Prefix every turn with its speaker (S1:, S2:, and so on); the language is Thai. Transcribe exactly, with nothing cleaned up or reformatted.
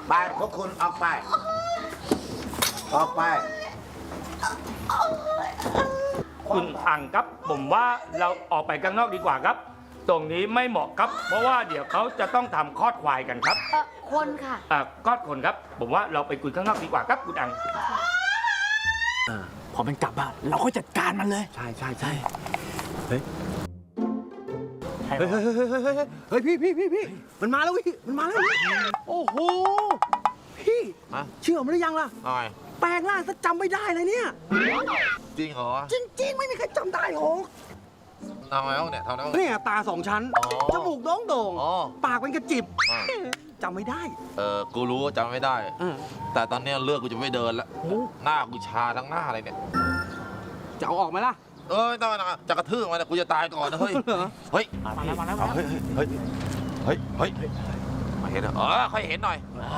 S1: ไปพวกคุณออกไป ออกไป
S2: คุณอังครับผมว่าเราออกไปข้างนอกดีกว่าครับ ตรงนี้ไม่เหมาะครับ เพราะว่าเดี๋ยวเขาจะต้องทำคลอดควายกันครับ
S3: เออคนค่ะ
S2: อ่าคลอดคนครับ ผมว่าเราไปคุยข้างนอกดีกว่าครับคุณอัง
S4: พอมันกลับอะเราก็จัดการมันเลย
S1: ใช่ใช่ใช่
S4: เฮ้ยเฮ้ยเฮ้ยเฮ้ยเฮ้ยเฮ้ยพี่พี่พี่พี่มันมาแล้วพี่มันมาแล้วโอ้โหพี่
S1: ฮะ
S4: เชื่อมันหรือยังล่ะ
S1: หน่อย
S4: แปลงร่างซะจำไม่ได้เลยเนี่ย
S1: จริงเหรอ
S4: จริง ๆ ไม่มีใครจำได้หรอก
S1: ทำไงบ้างเนี่ยทำไงบ้าง
S4: เนี่ยตาสองชั้น
S1: อ๋อ
S4: จมูกโด่งโด่ง
S1: อ๋อ
S4: ปากเป็นกระจิบ
S1: อ่า
S4: จำไม่ได้
S1: เออกูรู้ว่าจำไม่ได้
S4: เออ
S1: แต่ตอนเนี้ยเลือกกูจะไม่เดินแล้ว หน้ากูชาทั้งหน้าเลยเนี่ย
S4: จะเอาออกไหมล่ะ
S1: เอ้ยต้องนะจะกระทืบมันนะกูจะตายก่อนนะเฮ้ย
S4: เหรอ
S1: เฮ้ย
S4: มาแล้วมาแล้วมา
S1: เอา
S4: แล้ว
S1: เฮ้ยเฮ้ยเฮ้ยเฮ้ยเฮ้ยมาเห็นเหรอเออค่อยเห็นหน่อย